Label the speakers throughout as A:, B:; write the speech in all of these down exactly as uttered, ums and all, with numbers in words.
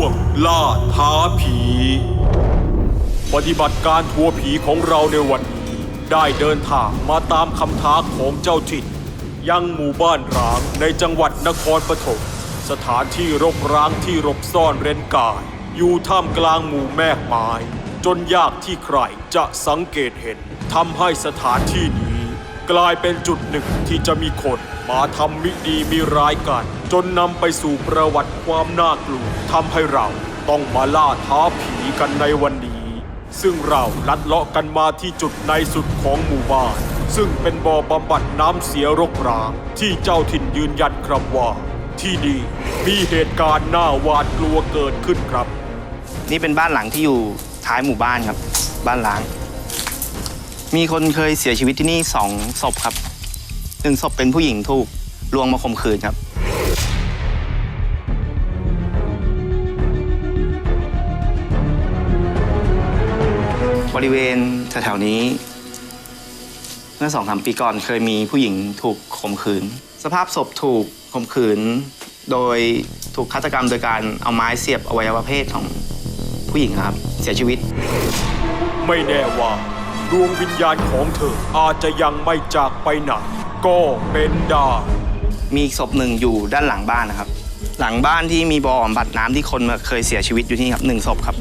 A: งล่าท้าผีปฏิบัติการทัวร์ผีของเราในวันนี้ได้เดินทางมาตามคำท้าของเจ้าถิ่นยังหมู่บ้านร้างในจังหวัดนครปฐมสถานที่รกร้างที่รบซ่อนเร้นกายอยู่ท่ามกลางหมู่แมกไม้จนยากที่ใครจะสังเกตเห็นทำให้สถานที่นี้กลายเป็นจุดหนึ่งที่จะมีคนมาทำมิดีมิร้ายกันจนนำไปสู่ประวัติความน่ากลัวทำให้เราต้องมาล่าท้าผีกันในวันนี้ซึ่งเราลัดเลาะกันมาที่จุดในสุดของหมู่บ้านซึ่งเป็นบ่อบำบัดน้ำเสียรกร้างที่เจ้าถิ่นยืนยันครับว่าที่นี่มีเหตุการณ์น่าหวาดกลัวเกิดขึ้นครับ
B: นี่เป็นบ้านหลังที่อยู่ท้ายหมู่บ้านครับบ้านล้างมีคนเคยเสียชีวิตที่นี่สองศพครับหนึ่งศพเป็นผู้หญิงถูกลวงมาข่มขืนครับบริเวณแถวๆนี้เมื่อสองสามปีก่อนเคยมีผู้หญิงถูกข่มขืนสภาพศพถูกข่มขืนโดยถูกฆาตกรรมโดยการเอาไม้เสียบอวัยวะเพศของผู้หญิงครับเสียชีวิต
A: ไม่แน่ว่าดวงวิญญาณของเธออาจจะยังไม่จากไปไหนก็เป็นได้
B: มีศพหนึ่งอยู่ด้านหลังบ้านนะครับหลังบ้านที่มีบ่อบำบัดน้ำที่คนเคยเสียชีวิตอยู่ที่นี่ครับหนึ่งศพครับ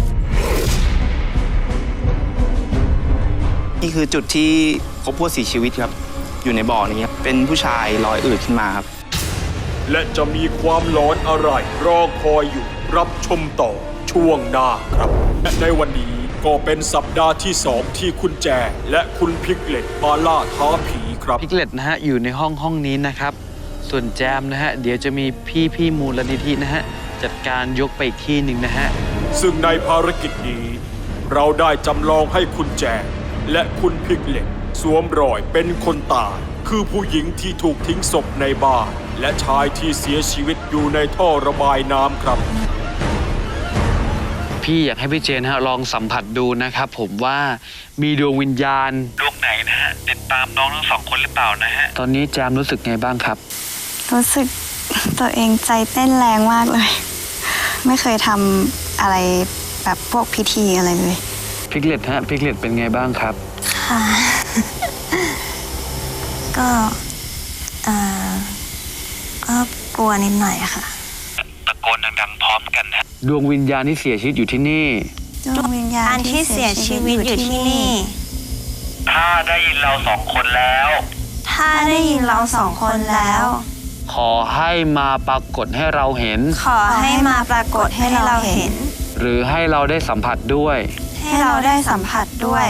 B: นี่คือจุดที่พบผู้เสียชีวิตครับอยู่ในบ่อนี้ครับเป็นผู้ชายลอยอืดขึ้นมาครับ
A: และจะมีความหลอนอะไรรอคอยอยู่รับชมต่อช่วงหน้าครับและในวันนี้ก็เป็นสัปดาห์ที่สองที่คุณแจและคุณพิกเล็ตมาล่าท้าผีครับ
C: พิกเล็ตนะฮะอยู่ในห้องห้องนี้นะครับส่วนแจมนะฮะเดี๋ยวจะมีพี่พี่มูลนิธินะฮะจัดการยกไปอีกที่หนึ่งนะฮะ
A: ซึ่งในภารกิจนี้เราได้จำลองให้คุณแจมและคุณพิกเล็ตสวมรอยเป็นคนตายคือผู้หญิงที่ถูกทิ้งศพในบ้านและชายที่เสียชีวิตอยู่ในท่อระบายน้ำครับ
C: พี่อยากให้พี่เจนฮะลองสัมผัสดูนะครับผมว่ามีดวงวิญญาณดวงไหนนะฮะติดตามน้องทั้งสองคนหรือเปล่านะฮะตอนนี้แจมรู้สึกไงบ้างครับ
D: รู้สึกตัวเองใจเต้นแรงมากเลยไม่เคยทำอะไรแบบพวกพิธีอะไรเลย
C: พิกเล็ตฮะพิกเล็ตเป็นไงบ้างครับ
E: ค่ะก็เอ่อก็กลัวนิดหน่อยค่ะ
C: ตะโกนดังๆพร้อมกันนะดวงวิญญาณที่เสียชีวิตอยู่ที่นี่
E: ดวงวิญญาณที่เสียชีวิตอยู่ที่นี่
C: ถ้าได้ยินเราสองคนแล้ว
E: ถ้าได้ยินเราสองคนแล้ว
C: ขอให้มาปรากฏให้เราเห็น
E: ขอให้มาปรากฏให้เราเห็น
C: หรือให้เราได้สัมผัสด้วย
E: ให้เราได้สัมผัสด้วย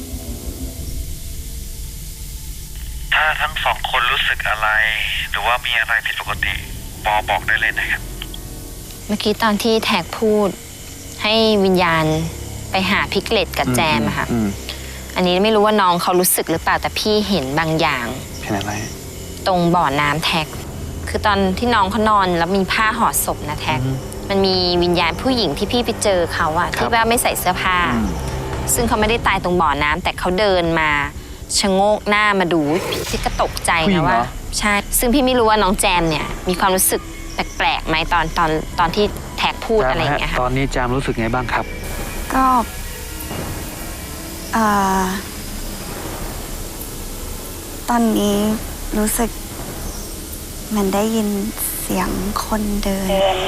C: ถ้าทั้งสองคนรู้สึกอะไรหรือว่ามีอะไรผิดปกติปอบอกได้เลยนะครับ
F: เมื่อกี้ตอนที่แท็กพูดให้วิญญาณไปหาพิกเล็ตกับแจมอะค่ะอันนี้ไม่รู้ว่าน้องเขารู้สึกหรือเปล่าแต่พี่เห็นบางอย่าง
C: เห็นอะไร
F: ตรงบ่อน้ำแท็กคือตอนที่น้องเขานอนแล้วมีผ้าห่อศพนะแท็กมันมีวิญญาณผู้หญิงที่พี่ไปเจอเขาอะที่ว่าไม่ใส่เสื้อผ้าซึ่งเขาไม่ได้ตายตรงบ่อน้ำแต่เขาเดินมาชะโงกหน้ามาดูพี่ก็ตกใจนะว่าใช่ซึ่งพี่ไม่รู้ว่าน้องแจมเนี่ยมีความรู้สึกแปลกๆไหมตอนตอนตอนที่แท็กพูดอะไรอย่างเงี้ยค่ะ
C: ตอนนี้แจมรู้สึกไงบ้างครับ
D: ก็เอ่อตอนนี้รู้สึกเหมือนได้ยินเสียงคนเดิน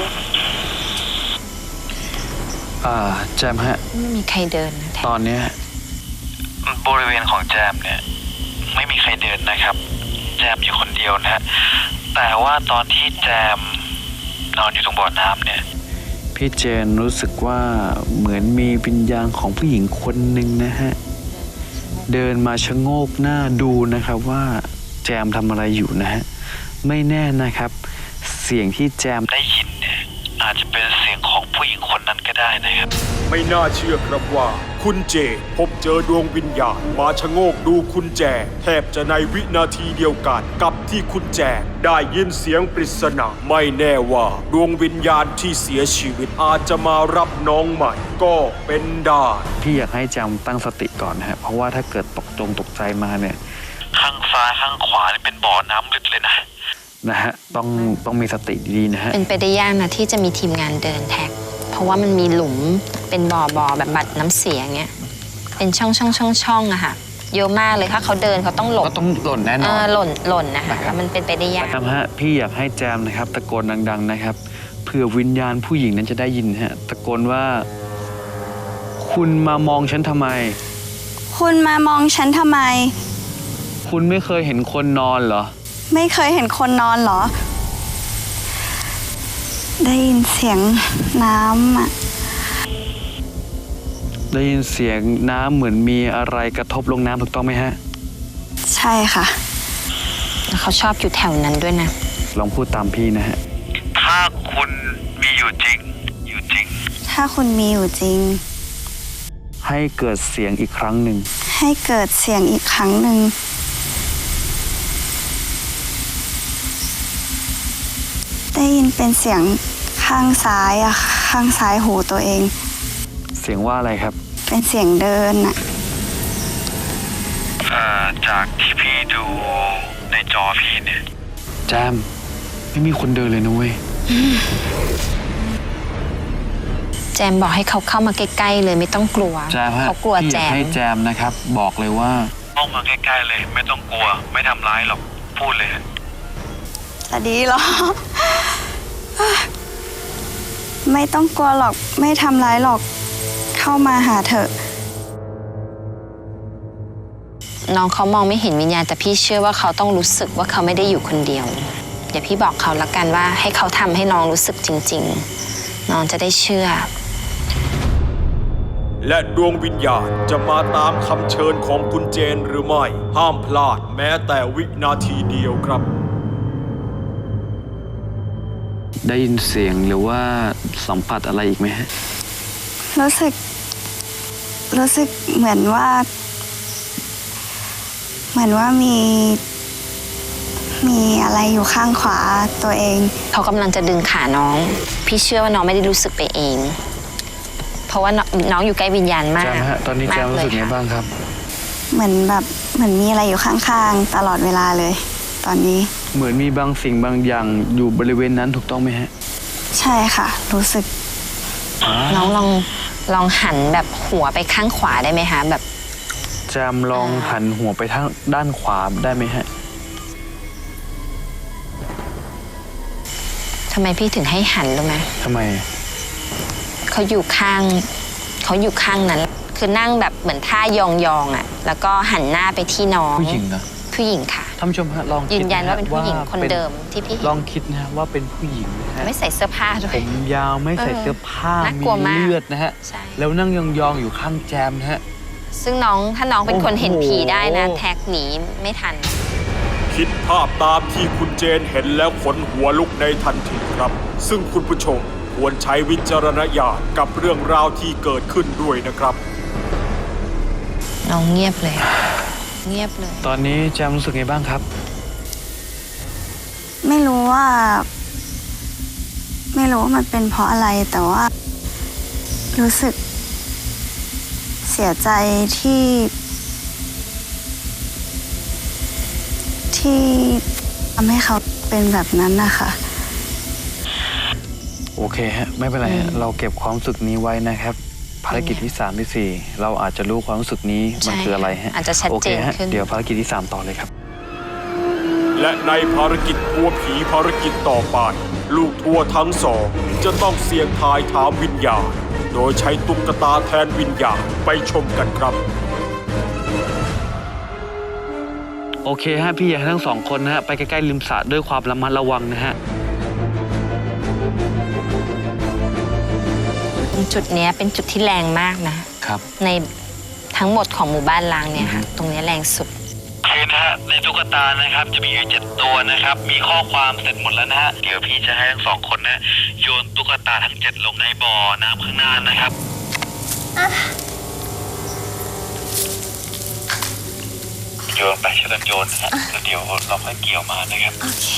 C: อ่าแจมฮะ
F: ไม่มีใครเดินนะ
C: ตอนนี้บริเวณของแจมเนี่ยไม่มีใครเดินนะครับแจมอยู่คนเดียวนะฮะแต่ว่าตอนที่แจมนอนอยู่ตรงบ่อน้ำเนี่ยพี่เจนรู้สึกว่าเหมือนมีวิญญาณของผู้หญิงคนหนึ่งนะฮะเดินมาชะโงกหน้าดูนะครับว่าแจมทำอะไรอยู่นะฮะไม่แน่นะครับเสียงที่แจมได้ยินเนี่ยอาจจะเป็นเสียงของผู้หญิงคนนั้นก็ได้นะครับ
A: ไม่น่าเชื่อครับว่าคุณเจพบเจอดวงวิญญาณมาชะโงกดูคุณแจแทบจะในวินาทีเดียวกันกับที่คุณแจได้ยินเสียงปริศนาไม่แน่ว่าดวงวิญญาณที่เสียชีวิตอาจจะมารับน้องใหม่ก็เป็นได้
C: พี่อยากให้แจมตั้งสติก่อนนะฮะเพราะว่าถ้าเกิดตกจงตกใจมาเนี่ยข้างซ้ายข้างขวาเป็นบ่อน้ำลึกเลยนะนะฮะต้องต้องมีสติดีๆนะฮะ
F: เป็นไปได้ยากนะที่จะมีทีมงานเดินแท็กเพเพราะว่ามันมีหลุมเป็นบ่อบ่อแบบบัดน้ำเสียเงี้ยเป็นช่องช่องช่องช่องอะค่ะเยอะมากเลยถ้าเขาเดินเขาต้องหลบ
B: ก็ต้องหล่นแน่น
F: เอ
B: อน
F: อหล่นหล่นนะคะแล้วมันเป็นไปได้ยาก
G: ครับฮะพี่อยากให้แจมนะครับตะโกนดังๆนะครับเผื่อวิญญาณผู้หญิงนั้นจะได้ยินฮะตะโกนว่า คุณมามองฉันทำไม
D: คุณมามองฉันทำไม
G: คุณไม่เคยเห็นคนนอนเหรอ
D: ไม่เคยเห็นคนนอนเหรอ ได้ยินเสียงน้ำอ่ะ
G: ได้ยินเสียงน้ำเหมือนมีอะไรกระทบลงน้ำถูกต้องไหมฮะ
D: ใช่ค่ะ
F: เขาชอบอยู่แถวนั้นด้วยนะ
G: ลองพูดตามพี่นะฮะ
C: ถ้าคุณมีอยู่จริง อยู่จริง
D: ถ้าคุณมีอยู่จริง
G: ให้เกิดเสียงอีกครั้งหนึ่ง
D: ให้เกิดเสียงอีกครั้งหนึ่ง ได้ยินเป็นเสียงข้างซ้ายอะข้างซ้ายหูตัวเอง
G: เสียงว่าอะไรครับ
D: เป็นเสียงเดินอะ
C: เอ่อ จากที่พี่ดูในจอพี่เนี่ย
G: แจมไม่มีคนเดินเลยนะเว้ย
F: แจมบอกให้เขาเข้ามาใกล้ๆเลยไม่ต้องกลัว
G: แจมฮะ
F: เขากลัว
G: พี่
F: แจ
G: อยาก
F: ม
G: ให้แจมนะครับ บอกเลยว่า
C: เข้ามาใกล้ๆเลย ไม่ต้องกลัว ไม่ทำร้ายหรอก พูดเลย
D: จะดีเหรอ ไม่ต้องกลัวหรอก ไม่ทำร้ายหรอก เข้ามาหาเถอะ
F: น้องเขามองไม่เห็นวิญญาณแต่พี่เชื่อว่าเขาต้องรู้สึกว่าเขาไม่ได้อยู่คนเดียว เดี๋ยวพี่บอกเขาละกันว่าให้เขาทำให้น้องรู้สึกจริงๆ น้องจะได้เชื่อ
A: และดวงวิญญาณจะมาตามคำเชิญของคุณเจนหรือไม่ ห้ามพลาดแม้แต่วินาทีเดียวครับ
G: ได้ยินเสียงหรือว่าสัมผัสอะไรอีกไหมฮะ
D: รู้สึก รู้สึกเหมือนว่า เหมือนว่ามี มีอะไรอยู่ข้างขวาตัวเอง
F: เขากำลังจะดึงขาน้อง พี่เชื่อว่าน้องไม่ได้รู้สึกไปเอง เพราะว่าน้องน้องอยู่ใกล้วิญญาณมาก
G: แจมฮะตอนนี้แจมรู้สึกไงบ้างครับ
D: เหมือนแบบเหมือนมีอะไรอยู่ข้างๆตลอดเวลาเลย ตอนนี้
G: เหมือนมีบางสิ่งบางอย่างอยู่บริเวณนั้นถูกต้องไหมฮะ
D: ใช่ค่ะ รู้สึก
F: น้องลองลองหันแบบหัวไปข้างขวาได้ไหมคะแบบ
G: แจมลองหันหัวไปทางด้านขวาได้ไหมฮะ
F: ทำไมพี่ถึงให้หันรู้ไหม
G: ทำไม
F: เขาอยู่ข้างเขาอยู่ข้างนั้น คือนั่งแบบเหมือนท่ายองๆอ่ะ แล้วก็หันหน้าไปที่น้อง
G: ผู้หญิงเหรอ
F: ผู้หญิงค่ะ
G: ท่านผู้ชมฮะลองคิด
F: ยืนยันว่าเป็นผู้หญิง
G: ะ
F: คนเดิมที่พี่เห็น
G: ลองคิดนะฮะว่าเป็นผู้หญิงนะฮะ
F: ไม่ใส่เสื้อผ้าด้ว
G: ผ
F: ย
G: มยาวไม่ใส่
F: เออ
G: เสื้อผ้า
F: น่าก
G: มี
F: ลัวมาก
G: เลือดนะฮะ
F: ใช่
G: แล้วนั่งยองๆอยู่ข้างแจมนะฮะ
F: ซึ่งน้องถ้าน้องเป็นคนเห็นผีได้นะ
G: โอ้โห
F: แท็กหนีไม่ทัน
A: คิดภาพตามที่คุณเจนเห็นแล้วขนหัวลุกในทันทีครับ ซึ่งคุณผู้ชมควรใช้วิจารณญาณกับเรื่องราวที่เกิดขึ้นด้วยนะครับ
F: น้องเงียบเลย เงียบเลย
G: ตอนนี้แจมรู้สึกไงบ้างครับ
D: ไม่รู้ว่า ไม่รู้ว่ามันเป็นเพราะอะไรแต่ว่า รู้สึก เสียใจที่ ที่ทำให้เขาเป็นแบบนั้นนะคะ
G: โอเคฮะ ไม่เป็นไรฮะ เราเก็บความรู้สึกนี้ไว้นะครับ ภารกิจที่สามที่สี่เราอาจจะรู้ความรู้สึกนี้มัน
F: ใช่
G: คืออะไรฮะ
F: อาจจะชัดเจน
G: โอเคฮะ
F: ขึ้น
G: เดี๋ยวภารกิจที่สามต่อเลยครับ
A: และในภารกิจทัวร์ผีภารกิจต่อไป ลูกทัวร์ทั้งสองจะต้องเสี่ยงทายถามวิญญาณ โดยใช้ตุ๊กตาแทนวิญญาณไปชมกันครับ
G: โอเคฮะ พี่อยากให้ทั้งสองคนนะฮะ ไปใกล้ๆริมสระด้วยความระมัดระวังนะฮะ
F: จุดเนี้ยเป็นจุดที่แรงมากนะ
G: ครับ
F: ในทั้งหมดของหมู่บ้านล้างเนี่ยค่ะ ตรงเนี้ยแรงสุด
C: โอเคนะฮะ ในตุ๊กตานะครับ จะมีอยู่เจ็ดตัวนะครับ มีข้อความเสร็จหมดแล้วนะฮะ เดี๋ยวพี่จะให้ทั้งสองคนนะโยนตุ๊กตาทั้งเจ็ดลงในบ่อน้ำข้างหน้านะครับ โยนไปช่วยกันโยนนะฮะแล้วเดี๋ยวเราค่อยเกี่ยวมานะครับ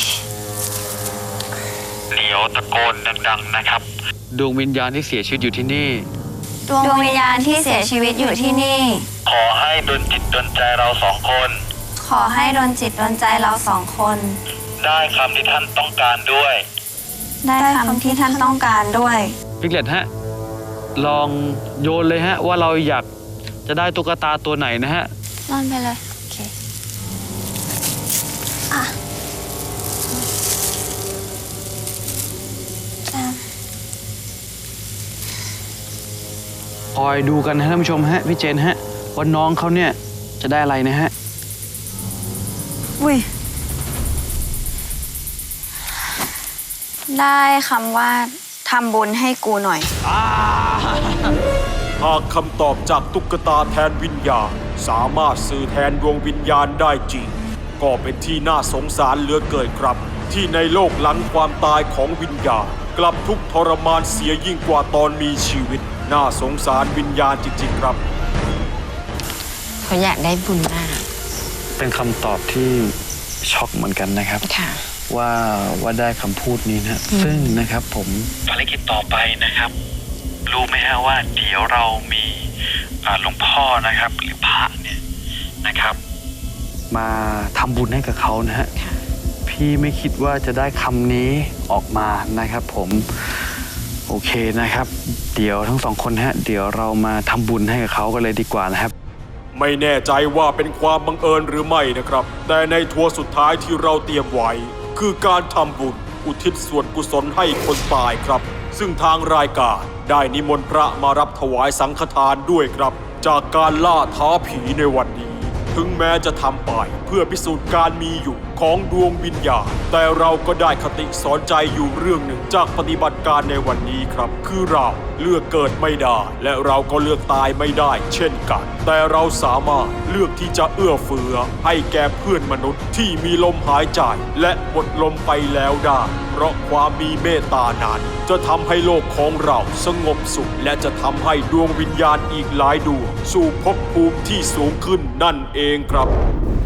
C: เดี๋ยวตะโกนดังๆนะครับ
G: ดวงวิญญาณที่เสียชีวิตอยู่ที่นี่
E: ดวงวิญญาณที่เสียชีวิตอยู่ที่นี่
C: ขอให้ดลจิตดลใจเราสองคน
E: ขอให้ดลจิตดลใจเราสองคน
C: ได้คำที่ท่านต้องการด้วย
E: ได้คำที่ท่านต้องการด้วย
G: พิกเลตฮะลองโยนเลยฮะว่าเราอยากจะได้ตุ๊กตาตัวไหนนะฮะ
D: นอนไปเลย
E: โอเค
D: อ่ะ
E: แจม
G: คอยดูกันนะท่านผู้ชมฮะพี่เจนฮะว่าน้องเขาเนี่ยจะได้อะไรนะฮะ
D: อุ้ย ได้คำว่าทำบุญให้กูหน่อย
A: หากคำตอบจากตุ๊กตาแทนวิญญาณสามารถสื่อแทนดวงวิญญาณได้จริง ก็เป็นที่น่าสงสารเหลือเกินครับ ที่ในโลกหลังความตายของวิญญาณกลับทุกข์ทรมานเสียยิ่งกว่าตอนมีชีวิต น่าสงสารวิญญาณจริงๆครับ
F: เขาอยากได้บุญมาก
G: เป็นคำตอบที่ช็อกเหมือนกันนะครับ
F: ค่ะ
G: ว่าว่าได้คำพูดนี้นะซึ่งนะครับผมภารกิจต่อไปนะครับ รู้ไหมฮะว่าเดี๋ยวเรามีอ่าหลวงพ่อนะครับหรือพระเนี่ยนะครับ มาทำบุญให้กับเขานะฮะพี่ไม่คิดว่าจะได้คำนี้ออกมานะครับ ผมโอเคนะครับ เดี๋ยวทั้งสองคนฮะเดี๋ยวเรามาทำบุญให้กับเขากันเลยดีกว่านะครับ
A: ไม่แน่ใจว่าเป็นความบังเอิญหรือไม่นะครับ แต่ในทัวร์สุดท้ายที่เราเตรียมไว้ คือการทำบุญอุทิศส่วนกุศลให้คนตายครับ ซึ่งทางรายการได้นิมนต์พระมารับถวายสังฆทานด้วยครับ จากการล่าท้าผีในวันนี้ ถึงแม้จะทำไปเพื่อพิสูจน์การมีอยู่ของดวงวิญญาณแต่เราก็ได้คติสอนใจอยู่เรื่องหนึ่งจากปฏิบัติการในวันนี้ครับ คือเราเลือกเกิดไม่ได้ และเราก็เลือกตายไม่ได้ เช่นกัน แต่เราสามารถเลือกที่จะเอื้อเฟื้อให้แก่เพื่อนมนุษย์ที่มีลมหายใจและหมดลมไปแล้วได้เพราะความมีเมตตานั้นจะทำให้โลกของเราสงบสุขและจะทำให้ดวงวิญญาณอีกหลายดวงสู่ภพภูมิที่สูงขึ้นนั่นเองครับ